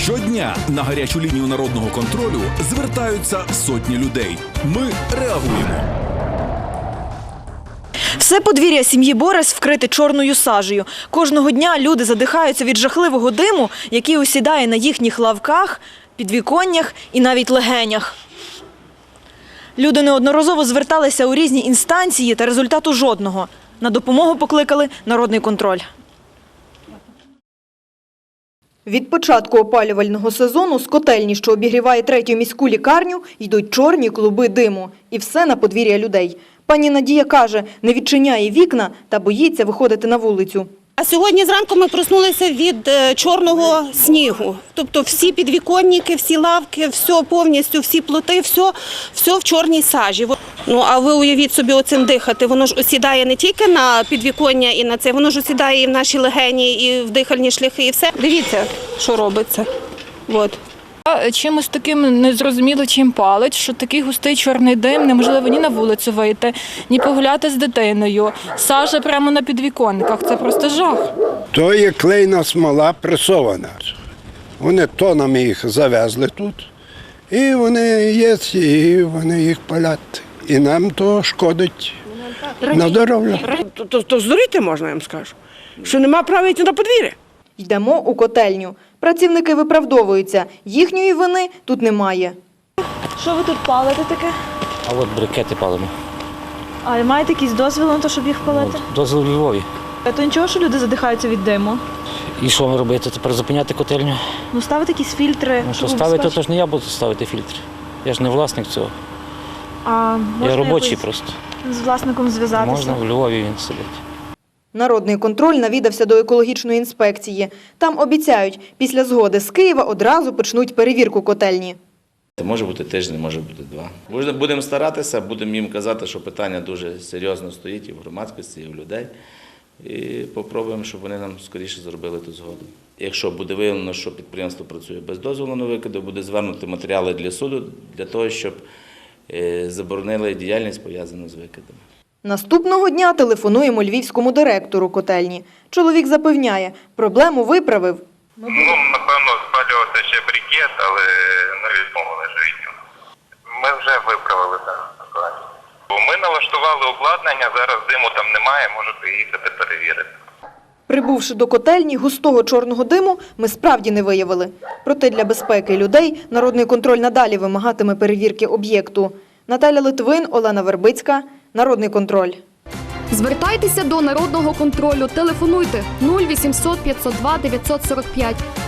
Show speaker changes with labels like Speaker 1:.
Speaker 1: Щодня на гарячу лінію народного контролю звертаються сотні людей. Ми реагуємо.
Speaker 2: Все подвір'я сім'ї Борис вкрите чорною сажею. Кожного дня люди задихаються від жахливого диму, який осідає на їхніх лавках, підвіконнях і навіть легенях. Люди неодноразово зверталися у різні інстанції, та результату жодного. На допомогу покликали народний контроль. Від початку опалювального сезону з котельні, що обігріває 3-ю міську лікарню, йдуть чорні клуби диму. І все на подвір'я людей. Пані Надія каже, не відчиняє вікна та боїться виходити на вулицю.
Speaker 3: А сьогодні зранку ми проснулися від чорного снігу. Тобто всі підвіконники, всі лавки, все повністю, всі плоти, все в чорній сажі. Ну, а ви уявіть собі оцим дихати. Воно ж осідає не тільки на підвіконня і на це, воно ж осідає і в наші легені, і в дихальні шляхи, і все. Дивіться, що робиться. От.
Speaker 4: Чимось таким незрозуміло чим палить, що такий густий чорний дим, неможливо ні на вулицю вийти, ні погуляти з дитиною. Сажа прямо на підвіконниках, це просто жах.
Speaker 5: То є клейна смола пресована. Вони тонами їх завезли тут, і вони є, і вони їх палять. І нам то шкодить на здоров'я.
Speaker 6: То здуріти можна, я вам скажу, що нема права йти на подвір'я.
Speaker 2: Йдемо у котельню. Працівники виправдовуються. Їхньої вини тут немає. Що ви тут палите таке?
Speaker 7: А от брикети палимо.
Speaker 2: А маєте якийсь дозвіл на те, щоб їх палити?
Speaker 7: Дозвіл у Львові.
Speaker 2: То нічого, що люди задихаються від диму?
Speaker 7: І що робити? Тепер зупиняти котельню?
Speaker 2: Ну, ставити якісь фільтри.
Speaker 7: Ну, що ставити, то ж не я буду ставити фільтр. Я ж не власник цього. Я робочий просто.
Speaker 2: З власником зв'язатися?
Speaker 7: Можна, в Львові він сидить.
Speaker 2: Народний контроль навідався до екологічної інспекції. Там обіцяють, після згоди з Києва одразу почнуть перевірку котельні.
Speaker 8: Може бути тиждень, може бути 2. Будемо старатися, будемо їм казати, що питання дуже серйозно стоїть і в громадськості, і в людей. І спробуємо, щоб вони нам скоріше зробили ту згоду. Якщо буде виявлено, що підприємство працює без дозволу на викиди, буде звернути матеріали для суду, для того, щоб заборонили діяльність, пов'язану з викидами.
Speaker 2: Наступного дня телефонуємо львівському директору котельні. Чоловік запевняє, проблему виправив.
Speaker 9: Напевно, спалювався ще брикет, але не відмовили ж від нього. Ми вже виправили дану ситуацію. Ми налаштували обладнання, зараз диму там немає, можете їхати перевірити.
Speaker 2: Прибувши до котельні, густого чорного диму ми справді не виявили. Проте для безпеки людей народний контроль надалі вимагатиме перевірки об'єкту. Наталя Литвин, Олена Вербицька, Народний контроль.
Speaker 10: Звертайтеся до Народного контролю. Телефонуйте 0800 502 945.